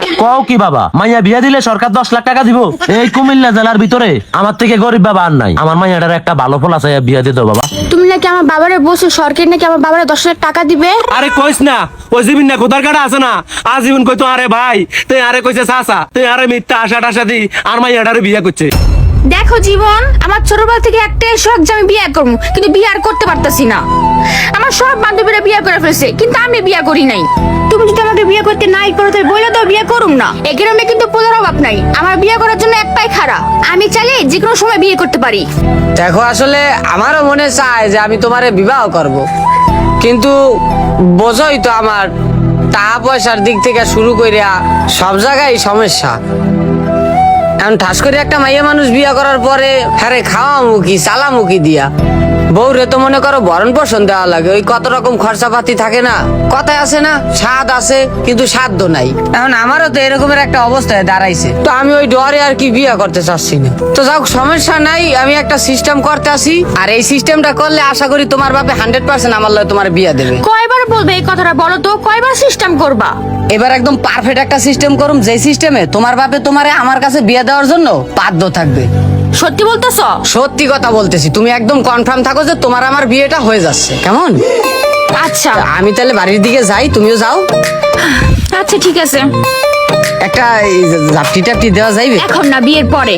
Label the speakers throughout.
Speaker 1: কও কি বাবা, মাইয়া বিয়া দিলে সরকার 10 লাখ টাকা দিব? এই কুমিল্লা জেলার ভিতরে আমার থেকে গরিব বাবা আর নাই। আমার মাইয়াটার একটা ভালো ফল আছে, বিয়া দিয়ে দাও বাবা।
Speaker 2: তুমি নাকি আমার বাবারে বলছো সরকার নাকি আমার বাবারে 10 লাখ টাকা দিবে?
Speaker 3: আরে কইস না, ওই জীবন না কোথার কাটা আছে না, আজীবন কইতো আরে ভাই, তুই আরে কইছে চাচা, তুই আরে মিথ্যা আশা টাশা দি আর মাইয়াটারে বিয়া করছে।
Speaker 2: দেখো জীবন, আমার ছোটবেলা থেকে একটাই শখ যে আমি বিয়ে করবো, কিন্তু বিয়ে আর করতে পারতাছি না। আমার সব বান্ধবীরা বিয়ে করে ফেলছে, কিন্তু আমি বিয়ে করি নাই। তুমি যদি আমাকে বিয়ে করতে নাই করো তাহলে বলে দাও বিয়ে করুম না। এই গ্রামে কিন্তু পোলার অভাব নাই, আমার বিয়ে করার জন্য এক পায়ে খাড়া। আমি চাইলে যে কোনো সময় বিয়ে করতে পারি।
Speaker 4: দেখো আসলে আমারও মনে চায় যে আমি তোমারে বিবাহ করব, কিন্তু বোঝোই তো আমার টাকা পয়সার দিক থেকে শুরু করিয়া সব জায়গায় সমস্যা। এখন ঠাস করে একটা মাইয়া মানুষ বিয়ে করার পরে হ্যারে খাওয়া মুখী চালা মুখী দিয়া বউরে তো মনে করো ভরণ পোষণ দেওয়া লাগে, ওই কত রকম খরচাপাতি থাকে না, কথায় আছে না স্বাদ আছে কিন্তু সাধ্য নাই। এখন আমারও তো এরকমের একটা অবস্থায় দাঁড়াইছে, তো আমি ওই ডরে আর কি বিয়ে করতে চাচ্ছি না। তো যাও সমস্যা নাই, আমি একটা সিস্টেম করতে আসি, আর এই সিস্টেমটা করলে আশা করি তোমার বাপে 100% আমার লয় তোমার বিয়ে দেবে।
Speaker 2: কয়বার বলবে এই কথাটা বলো তো, কয়বার সিস্টেম করবা?
Speaker 4: এবার একদম পারফেক্ট একটা সিস্টেম করুম, যে সিস্টেমে তোমার বাপে তোমারে আমার কাছে বিয়ে দেওয়ার জন্য বাধ্য থাকবে।
Speaker 2: সত্যি বলতেছ?
Speaker 4: সত্যি কথা বলতেছি, তুমি একদম কনফার্ম থাকো যে তোমার আমার বিয়েটা হয়ে যাচ্ছে, কেমন?
Speaker 2: আচ্ছা
Speaker 4: আমি তাহলে বাড়ির দিকে যাই, তুমিও যাও।
Speaker 2: আচ্ছা ঠিক আছে।
Speaker 4: একটা জাপটি টাপটি দেওয়া যাইবে?
Speaker 2: এখন না, বিয়ের পরে।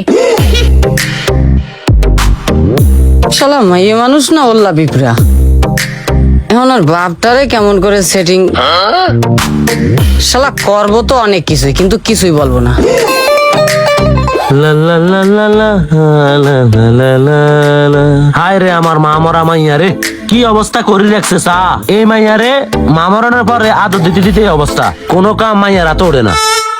Speaker 4: শালা মাইয়ে মানুষ না ওল্লা পিঁপড়া, এখন আর বাপটারে কেমন করে সেটিং। শালা করবো তো অনেক কিছুই, কিন্তু কিছুই বলবো না।
Speaker 1: হায় রে আমার মা মরা মাইয়া রে, কি অবস্থা করে রাখছে চা। এই মাইয়া রে মা মরানোর পরে আদর দিতে দিতে এই অবস্থা, কোনো কাম মাইয়ারা তো ওড়ে না।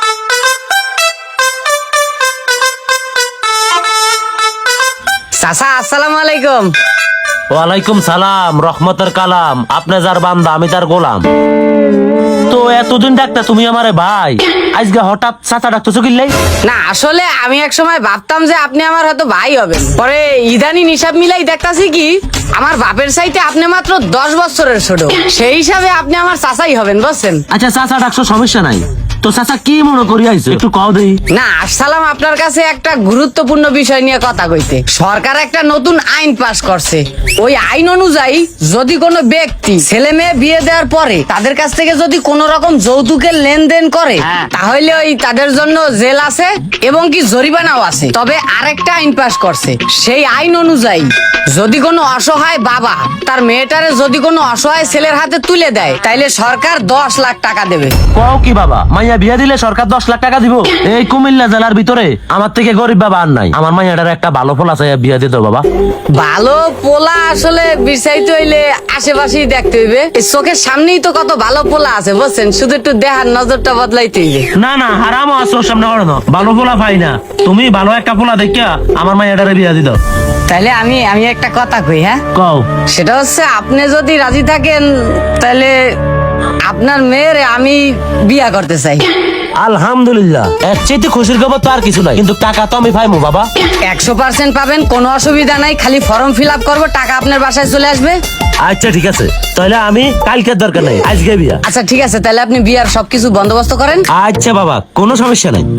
Speaker 4: চাচা আসসালামু আলাইকুম।
Speaker 1: ওয়ালাইকুম সালাম, রহমতের কালাম। আপনি যার বান্দা আমি তার গোলাম। তো এতদিন ডাকতা তুমি আমারে ভাই, আজকে হঠাৎ চাচা ডাকতেছো কিল্লাই?
Speaker 4: না আসলে আমি এক সময় ভাবতাম যে আপনি আমার হয়তো ভাই হবেন, পরে ইদানিং হিসাব মিলাই দেখতাছি কি আমার বাপের চাইতে আপনি মাত্র 10 বছরের ছোট, সেই হিসাবে আপনি আমার চাচাই হবেন, বুঝছেন?
Speaker 1: আচ্ছা চাচা ডাকছো, সমস্যা নাই। তো চাচা কি মনে করি আইছো, একটু কও দেই।
Speaker 4: না আসসালাম, আপনার কাছে একটা গুরুত্বপূর্ণ বিষয় নিয়ে কথা কইতে। সরকার একটা নতুন আইন পাস করছে, ওই আইন অনুযায়ী যদি কোনো ব্যক্তি ছেলে মেয়ে বিয়ে দেওয়ার পরে তাদের কাছ থেকে যদি কোনো রকম যৌতুকের লেনদেন করে, তাহলে ওই তাদের জন্য জেল আছে এবং কি জরিমানাও আছে। তবে আরেকটা আইন পাস করছে, সেই আইন অনুযায়ী যদি কোনো অসহায় বাবা তার মেয়েটারে যদি কোনো অসহায় ছেলের হাতে তুলে দেয়, তাইলে সরকার 10 লাখ টাকা দেবে।
Speaker 1: কও কি বাবা, মাইয়া বিয়া দিলে সরকার 10 লাখ টাকা দিব? এই কুমিল্লা জেলার ভিতরে আমার থেকে গরিব বাবা আর নাই। আমার মাইয়াটার একটা ভালো ফল আছে, বিয়া দিয়ে দাও বাবা।
Speaker 4: ভালো পোলা আসলে বিচাইতে হইলে আশেপাশেই দেখতে হইবে, এই চোখের সামনেই তো কত ভালো পোলা আছে, বুঝছেন? শুধু একটু দেখার নজরটা বদলাইতে হইবে।
Speaker 1: না না, হারামও আছো সামনে না, ভালো পোলা পাই না। তুমি ভালো একটা পোলা দেখিয়া আমার মাইয়াটারে বিয়া দি দাও।
Speaker 4: তাইলে আমি একটা কথা কই, হ্যাঁ
Speaker 1: কও।
Speaker 4: সেটা হচ্ছে আপনি যদি রাজি থাকেন তাহলে আপনার মেয়ের আমি বিয়া করতে চাই।
Speaker 1: আলহামদুলিল্লাহ, এর চাইতে খুশির খবর তো আর কিছু নাই, কিন্তু টাকা তো আমি পাইমু বাবা।
Speaker 4: 100% পাবেন, কোনো অসুবিধা নাই, খালি ফর্ম ফিল আপ করবো, টাকা আপনার বাসায় চলে আসবে।
Speaker 1: আচ্ছা ঠিক আছে, তাহলে আমি কালকের দরকার নাই, আজকে বিয়া।
Speaker 4: আচ্ছা ঠিক আছে, তাহলে আপনি বিয়ার সবকিছু বন্দোবস্ত করেন।
Speaker 1: আচ্ছা বাবা, কোনো সমস্যা নাই।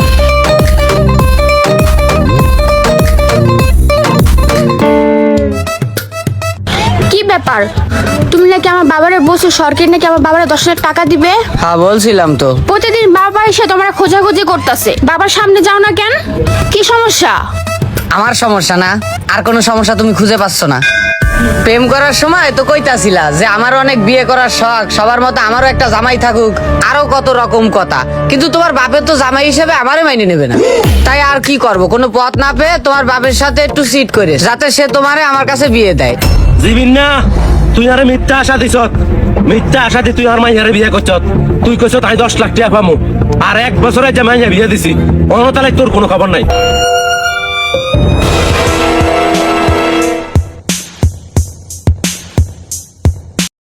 Speaker 2: কি ব্যাপার, তুমি নাকি আমার বাবারে বলছো সরকার নাকি আমার বাবারে 10 লাখ টাকা দিবে?
Speaker 4: হ্যাঁ বলছিলাম তো।
Speaker 2: প্রতিদিন বাবা এসে তোমার খোঁজাখুঁজি করতেছে, বাবার সামনে যাও না কেন? কি সমস্যা?
Speaker 4: আমার সমস্যা না, আর কোনো সমস্যা তুমি খুঁজে পাচ্ছ না? প্রেম করার সময় তো কইতাছিলা যে আমার অনেক বিয়ে করার শখ, সবার মতো আমারও একটা জামাই থাকুক, আরো কত রকম কথা, কিন্তু তোমার বাপের তো জামাই হিসেবে আমারে মাইনে নেবে না। তাই আর কি করব, কোনো পথ না পেয়ে তোমার বাপের সাথে একটু সিট করে যাতে সে তোমারে আমার কাছে বিয়ে দেয়।
Speaker 3: জীবন না, তুই আরে মিথ্যা আশা দিছ, মিথ্যা আশা দি তুই আর মাইয়ারে বিয়ে করছ। তুই কইছ তাই 10 লাখ টাকা পামু, আর 1 বছরে যে মাইয়া বিয়ে দিছি, অনতালে তোর কোনো খবর নাই।